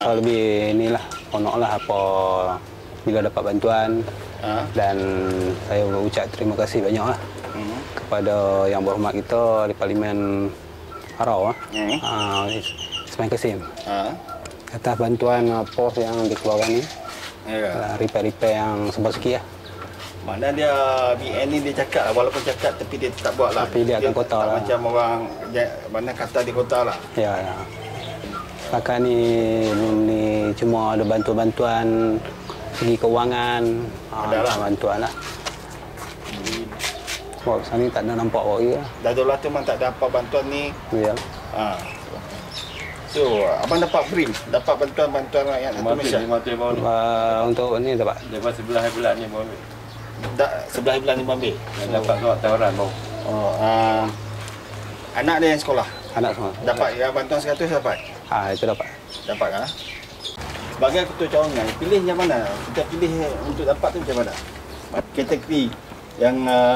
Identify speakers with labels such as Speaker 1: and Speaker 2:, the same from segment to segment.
Speaker 1: atau lebih inilah honor lah apa bila dapat bantuan. Dan saya berucap terima kasih banyak lah kepada yang berhormat kita di Parlimen Harau, Ismail Kasim, atas bantuan pos yang dikeluarkan ni, repair-repair yang sebesar lah.
Speaker 2: Mana dia BN ni dia cakap lah, walaupun cakap tapi dia tetap buat lah.
Speaker 1: Tapi dia akan kota lah.
Speaker 2: Macam orang mana kata di kota lah.
Speaker 1: Ya. Setakat ni cuma ada bantuan-bantuan segi kewangan, bantuan lah. Sebab sana ni tak ada nampak awak lagi lah.
Speaker 2: Dah 12 tu memang tak ada apa bantuan ni.
Speaker 1: Ya.
Speaker 2: So, abang dapat BRIM, dapat bantuan-bantuan rakyat Malaysia.
Speaker 1: Untuk ni dapat.
Speaker 3: Lepas sebelah bulan ni baru ambil.
Speaker 2: Sebelah bulan ni ambil.
Speaker 3: Dapat surat tawaran baru.
Speaker 2: Anak dia yang sekolah?
Speaker 1: Anak semua.
Speaker 2: Dapat ya, bantuan 100 dapat?
Speaker 1: Itu dapat.
Speaker 2: Dapat kan? Sebagai ketua cawangan, pilih yang mana? Kita pilih untuk dapat tu macam mana? Kategori yang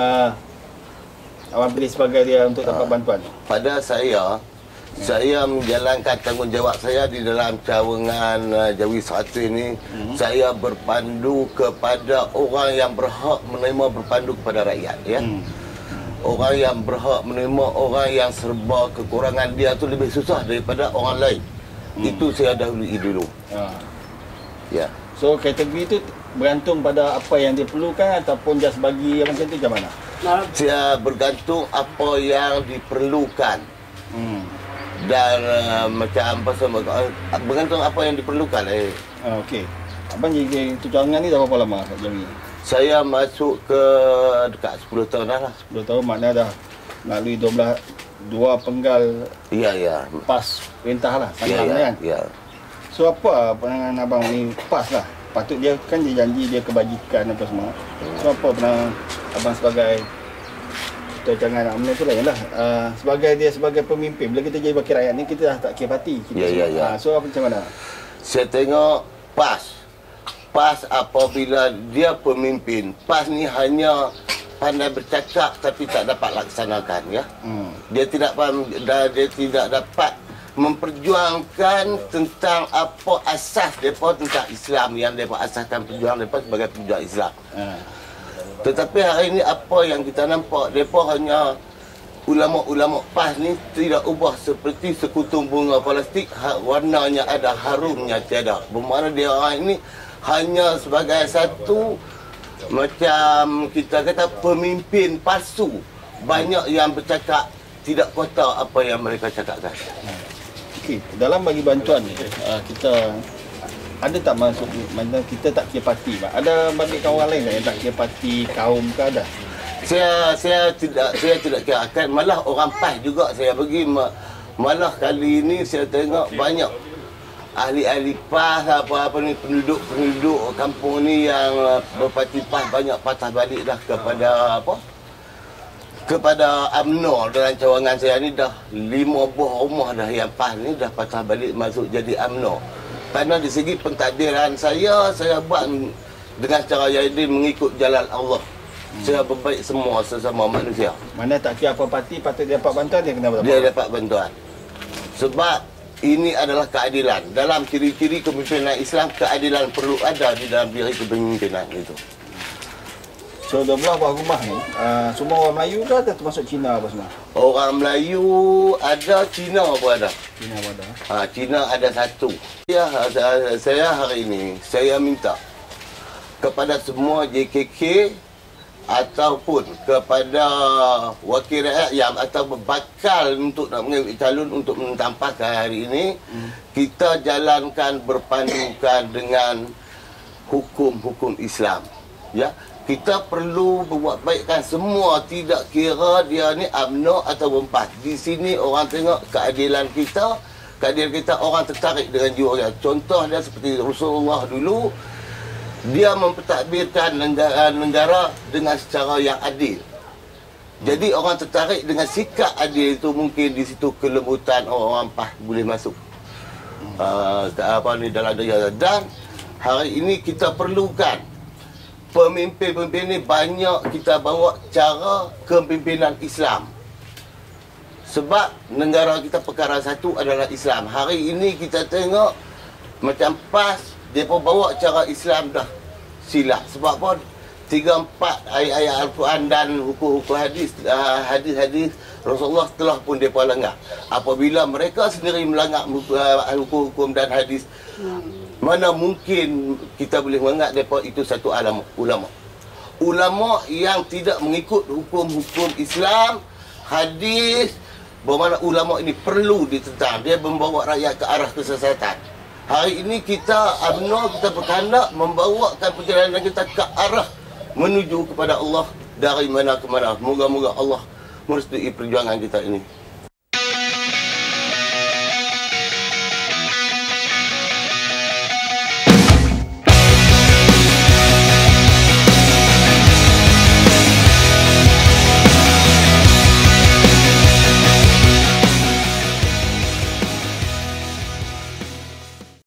Speaker 2: awak pilih sebagai dia untuk dapat bantuan?
Speaker 4: Pada saya menjalankan tanggungjawab saya di dalam cawangan Jawi 1 ini. Saya berpandu kepada orang yang berhak menerima berpandu kepada rakyat, ya. Orang yang berhak menerima orang yang serba kekurangan dia tu lebih susah daripada orang lain. Itu saya dahului dulu. Ya.
Speaker 2: So kategori itu bergantung pada apa yang dia perlukan ataupun just bagi macam tu macam mana?
Speaker 4: Saya bergantung apa yang diperlukan. Dan macam bergantung apa yang diperlukan.
Speaker 2: Okey. Abang jadi ketua cawangan ni dah berapa lama kat Jawi?
Speaker 4: Saya masuk ke dekat 10 tahun dah lah.
Speaker 2: 10 tahun maknanya dah melalui 2 penggal.
Speaker 4: Ya.
Speaker 2: PAS perintah lah, kan?
Speaker 4: Ya.
Speaker 2: So apa pandangan abang ni PAS lah? Patut dia kan dia janji dia kebajikan apa semua. So apa pandangan abang sebagai ketua cawangan UMNO tu lain lah. Sebagai pemimpin, bila kita jadi wakil rakyat ni kita dah tak kira parti.
Speaker 4: Ya.
Speaker 2: So apa macam mana?
Speaker 4: Saya tengok PAS apabila dia pemimpin, PAS ni hanya pandai bercakap tapi tak dapat laksanakan, ya. Dia tidak dapat memperjuangkan tentang apa asas mereka tentang Islam yang mereka asaskan perjuangan mereka sebagai pejuang Islam. Tetapi hari ini apa yang kita nampak, mereka hanya ulama-ulama PAS ni tidak ubah seperti sekutung bunga plastik, warnanya ada, harumnya tiada. Bermakna dia orang ini hanya sebagai satu macam kita kata pemimpin palsu. Banyak yang bercakap tidak kota apa yang mereka cakapkan.
Speaker 2: Okey, dalam bagi bantuan ni kita ada tak masuk mana kita tak kira parti, ada bagi kawan lain yang tak kira parti, kaum ke ada?
Speaker 4: Saya tidak kira akan, malah orang PAS juga saya bagi, malah kali ini saya tengok banyak ahli-ahli PAS apa ni, penduduk kampung ni yang berparti PAS banyak patah balik dah kepada UMNO. Dalam cawangan saya ni dah 5 buah rumah dah yang PAS ni dah patah balik masuk jadi UMNO. Kerana di segi pentadbiran saya buat dengan cara yang mengikut jalan Allah. Saya berbaik semua sesama manusia.
Speaker 2: Mana tak kira apa parti patut dia dapat bantuan, dia kena dapat.
Speaker 4: Dia dapat bantuan. Sebab ini adalah keadilan. Dalam ciri-ciri kepimpinan Islam, keadilan perlu ada di dalam diri kepemimpinan itu.
Speaker 2: So 12 buah rumah ni, semua orang Melayu ke atau termasuk Cina apa semua?
Speaker 4: Orang Melayu ada, Cina pun ada.
Speaker 2: Cina pun ada.
Speaker 4: Cina ada satu. Saya hari ini, saya minta kepada semua JKK ataupun kepada wakil rakyat yang atau berbakal untuk nak mengambil calon untuk mentampakkan hari ini, kita jalankan berpandukan dengan hukum-hukum Islam. Ya, kita perlu berbuat baikkan semua, tidak kira dia ni UMNO atau PAS. Di sini orang tengok keadilan kita orang tertarik dengan jiwa dia. Contoh dia seperti Rasulullah dulu, dia mempertakbirkan negara dengan secara yang adil. Jadi orang tertarik dengan sikap adil itu, mungkin di situ kelembutan orang PAS boleh masuk dalam negara. Dan hari ini kita perlukan pemimpin-pemimpin ini banyak kita bawa cara kepimpinan Islam. Sebab negara kita perkara satu adalah Islam. Hari ini kita tengok macam PAS, dia pun bawa cara Islam dah silap. Sebab apa? 3-4 ayat-ayat Al-Quran dan hukum-hukum hadis, hadis-hadis Rasulullah telah pun mereka langgar. Apabila mereka sendiri melanggar hukum-hukum dan hadis, mana mungkin kita boleh menganggap mereka itu satu ulama. Ulama yang tidak mengikut hukum-hukum Islam, hadis, bermakna ulama ini perlu ditentang. Dia membawa rakyat ke arah kesesatan. Hari ini kita UMNO, kita berkehendak membawakan perjalanan kita ke arah menuju kepada Allah dari mana ke mana. Moga-moga Allah merestui perjuangan kita ini.